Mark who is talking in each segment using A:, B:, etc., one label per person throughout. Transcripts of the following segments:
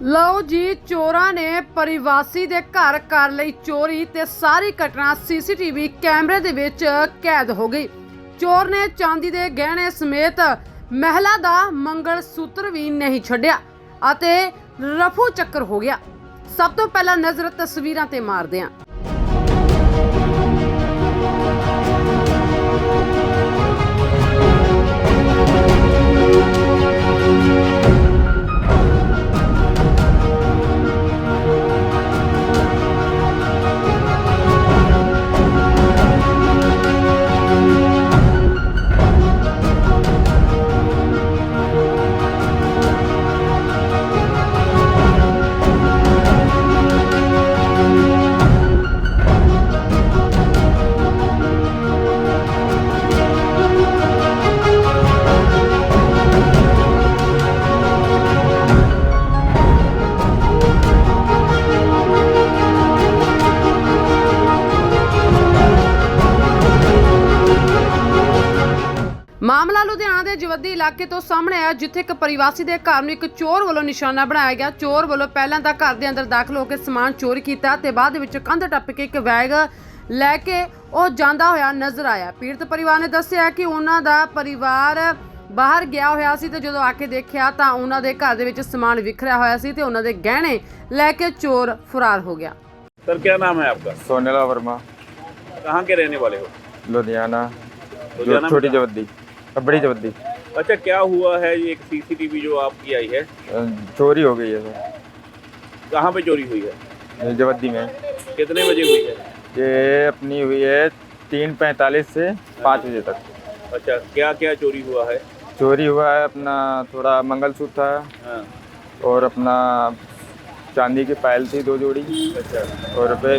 A: ਲਓ ਜੀ, ਚੋਰਾਂ ਨੇ ਪਰਿਵਾਸੀ ਦੇ ਘਰ ਕਰ ਲਈ ਚੋਰੀ ਤੇ ਸਾਰੀ ਘਟਨਾ ਸੀਸੀਟੀਵੀ ਕੈਮਰੇ ਦੇ ਵਿੱਚ ਕੈਦ ਹੋ ਗਈ। ਚੋਰ ਨੇ ਚਾਂਦੀ ਦੇ ਗਹਿਣੇ ਸਮੇਤ ਮਹਿਲਾ ਦਾ ਮੰਗਲ ਸੂਤਰ ਵੀ ਨਹੀਂ ਛੱਡਿਆ ਅਤੇ ਰਫੂ ਚੱਕਰ ਹੋ ਗਿਆ। ਸਭ ਤੋਂ ਪਹਿਲਾਂ ਨਜ਼ਰ ਤਸਵੀਰਾਂ ਤੇ ਮਾਰਦੇ ਹਾਂ। ਮਾਮਲਾ ਲੁਧਿਆਣਾ ਦੇ ਜਵੱਦੀ ਇਲਾਕੇ ਤੋਂ ਸਾਹਮਣੇ ਆਇਆ, ਜਿੱਥੇ ਇੱਕ ਪਰਿਵਾਸੀ ਦੇ ਘਰ ਨੂੰ ਇੱਕ ਚੋਰ ਵੱਲੋਂ ਨਿਸ਼ਾਨਾ ਬਣਾਇਆ ਗਿਆ। ਚੋਰ ਵੱਲੋਂ ਪਹਿਲਾਂ ਤਾਂ ਘਰ ਦੇ ਅੰਦਰ ਦਾਖਲ ਹੋ ਕੇ ਸਮਾਨ ਚੋਰੀ ਕੀਤਾ ਤੇ ਬਾਅਦ ਵਿੱਚ ਕੰਧ ਟੱਪ ਕੇ ਇੱਕ ਬੈਗ ਲੈ ਕੇ ਉਹ ਜਾਂਦਾ ਹੋਇਆ ਨਜ਼ਰ ਆਇਆ। ਪੀੜਤ ਪਰਿਵਾਰ ਨੇ ਦੱਸਿਆ ਕਿ ਉਹਨਾਂ ਦਾ ਪਰਿਵਾਰ ਬਾਹਰ ਗਿਆ ਹੋਇਆ ਸੀ ਤੇ ਜਦੋਂ ਆ ਕੇ ਦੇਖਿਆ ਤਾਂ ਉਹਨਾਂ ਦੇ ਘਰ ਦੇ ਵਿੱਚ ਸਮਾਨ ਵਿਖਰਿਆ ਹੋਇਆ ਸੀ ਤੇ ਉਹਨਾਂ ਦੇ ਗਹਿਣੇ ਲੈ ਕੇ ਚੋਰ ਫਰਾਰ ਹੋ ਗਿਆ।
B: सर क्या नाम है आपका?
C: सोनेला वर्मा,
B: कहाँ के रहने वाले हो?
C: लुधियाना,
B: लुधियाना में
C: छोटी
B: कहाँ?
C: जवद्दी, बड़ी जवद्दी।
B: अच्छा, क्या हुआ है? ये एक सीसीटीवी जो आपकी आई है,
C: चोरी हो गई है सर,
B: कहाँ पे चोरी हुई है?
C: जवद्दी में।
B: कितने बजे हुई है?
C: ये अपनी हुई है 3:45 से 5 बजे तक।
B: अच्छा, क्या क्या चोरी हुआ है?
C: चोरी हुआ है अपना थोड़ा मंगलसूत्र था
B: हाँ,
C: और अपना चांदी की पायल थी 2 जोड़ी
B: अच्छा
C: और रुपये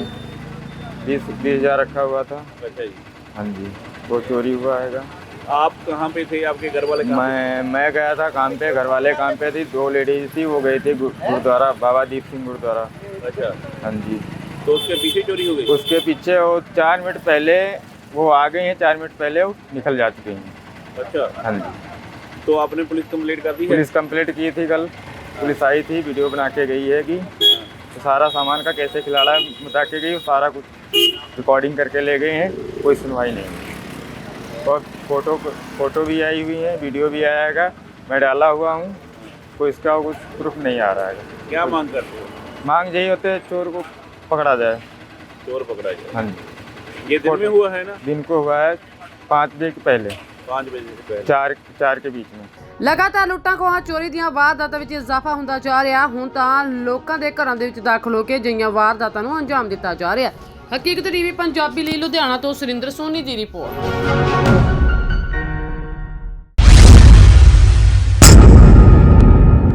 C: 20 हज़ार रखा हुआ था।
B: अच्छा जी।
C: हाँ जी, वो चोरी हुआ है।
B: आप कहाँ पे थे? आपके घर वाले कहाँ पे?
C: मैं गया था काम पे, घर वाले काम पे थी, 2 लेडीज थी, वो गई थी गुरुद्वारा बाबा दीप सिंह गुरुद्वारा।
B: अच्छा,
C: हाँ जी,
B: तो उसके पीछे चोरी हो गई?
C: उसके पीछे वो 4 मिनट पहले वो आ गई हैं, 4 मिनट पहले वो निकल जा चुकी हैं।
B: अच्छा,
C: हाँ जी,
B: तो आपने पुलिस कंप्लेंट कर दी है?
C: पुलिस कंप्लेंट की थी कल, पुलिस आई थी, वीडियो बना के गई है कि तो सारा सामान का कैसे खिलाड़ा बता के गई, सारा कुछ रिकॉर्डिंग करके ले गए हैं, कोई सुनवाई नहीं। और फोटो भी आई हुई है, वीडियो भी आया है, मैं डाला हुआ हूँ, कोई इसका कुछ प्रूफ नहीं आ रहा है।
B: क्या मांग करते हो?
C: मांग यही होते है चोर को पकड़ा जाए।
B: चोर पकड़ा जाए।
C: हाँ जी,
B: ये दिन में हुआ है ना?
C: दिन को हुआ है 5 बजे के पहले,
B: 5 बजे से पहले।
C: 4 के बीच में।
A: ਲਗਾਤਾਰ ਲੁੱਟਾਂ ਖੋਹਾਂ ਚੋਰੀ ਦੀਆਂ ਵਾਰਦਾਤਾਂ ਵਿੱਚ ਇਜ਼ਾਫਾ ਹੁੰਦਾ ਜਾ ਰਿਹਾ। ਹੁਣ ਤਾਂ ਲੋਕਾਂ ਦੇ ਘਰਾਂ ਦੇ ਵਿੱਚ ਦਾਖਲ ਹੋ ਕੇ ਅਜਿਹੀਆਂ ਵਾਰਦਾਤਾਂ ਨੂੰ ਅੰਜਾਮ ਦਿੱਤਾ ਜਾ ਰਿਹਾ। ਹਕੀਕਤ ਟੀਵੀ ਪੰਜਾਬੀ ਲਈ ਲੁਧਿਆਣਾ ਤੋਂ ਸੁਰਿੰਦਰ ਸੋਨੀ ਦੀ ਰਿਪੋਰਟ।